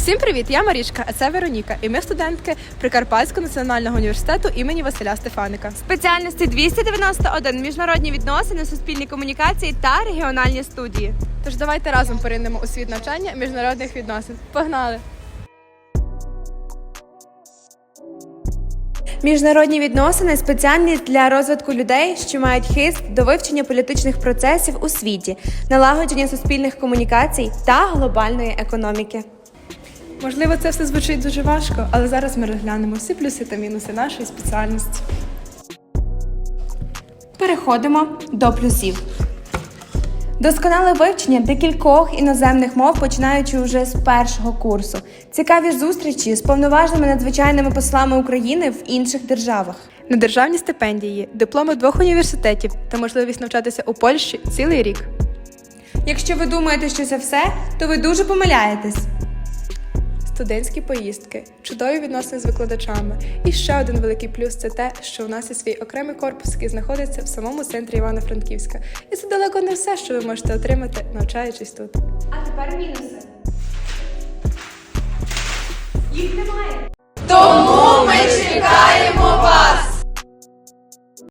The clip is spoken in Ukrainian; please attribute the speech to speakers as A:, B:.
A: Всім привіт! Я Марічка, а це Вероніка. І ми студентки Прикарпатського національного університету імені Василя Стефаника.
B: Спеціальності 291 – міжнародні відносини, суспільні комунікації та регіональні студії.
A: Тож давайте разом поринемо у світ навчання міжнародних відносин. Погнали!
B: Міжнародні відносини – спеціальність для розвитку людей, що мають хист до вивчення політичних процесів у світі, налагодження суспільних комунікацій та глобальної економіки.
A: Можливо, це все звучить дуже важко, але зараз ми розглянемо всі плюси та мінуси нашої спеціальності.
B: Переходимо до плюсів. Досконале вивчення декількох іноземних мов, починаючи вже з першого курсу. Цікаві зустрічі з повноважними надзвичайними послами України в інших державах.
A: Недержавні стипендії, дипломи 2 університетів та можливість навчатися у Польщі цілий рік.
B: Якщо ви думаєте, що це все, то ви дуже помиляєтесь.
A: Студентські поїздки, чудові відносини з викладачами. І ще один великий плюс – це те, що у нас є свій окремий корпус, який знаходиться в самому центрі Івано-Франківська. І це далеко не все, що ви можете отримати, навчаючись тут.
B: А тепер мінуси.